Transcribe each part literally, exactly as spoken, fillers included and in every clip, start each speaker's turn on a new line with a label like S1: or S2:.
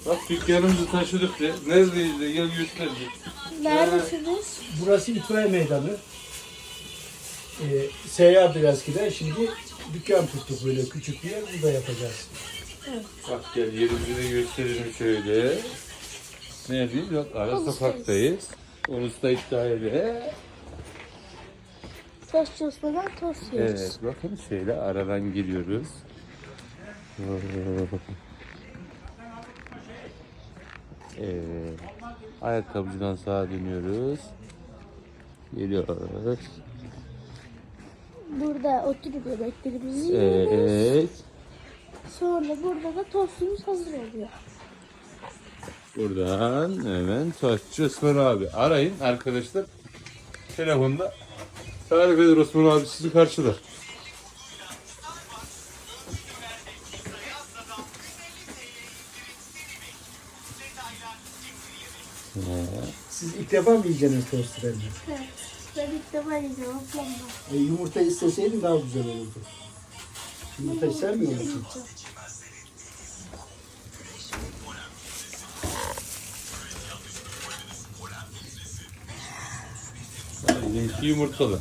S1: Bak dükkanımızı taşıdık de. Neredeyiz de gel göster.
S2: Neredesiniz?
S3: Burası itfaiye meydanı. Ee, seyyardı eskiden. Şimdi dükkan tuttuk böyle küçük bir yer. Burada yapacağız.
S1: Bak gel yerimizi de gösterelim şöyle. Neredeyiz? Bak ara sokaktayız. Orası da iddiayla.
S2: Tost çalışmadan tost yiyoruz.
S1: Evet bakın şöyle aradan giriyoruz. Evet. Ayakkabıcıdan sağa dönüyoruz. Geliyoruz.
S2: Burada oturup yemeklerimizi yiyoruz.
S1: Evet.
S2: Sonra burada da tostumuz hazır oluyor.
S1: Buradan hemen Taşçı Osman abi. Arayın arkadaşlar. Telefonda tarif eder Osman abi sizi karşılar.
S3: Siz ilk defa mı yiyeceksiniz tostu bence?
S2: Evet. Ben ilk defa yiyeceğim ablamla.
S3: E, yumurta isteseydin daha güzel olurdu. Yumurta sevmiyor musun?
S1: Benimki yumurtalı.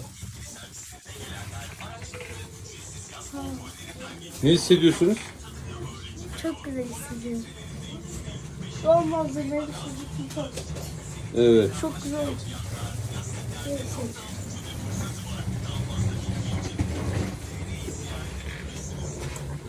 S1: Ne hissediyorsunuz?
S2: Çok güzel hissediyorum. Son malzemeleri süzdük.
S1: Evet.
S2: Çok güzel oldu. Evet.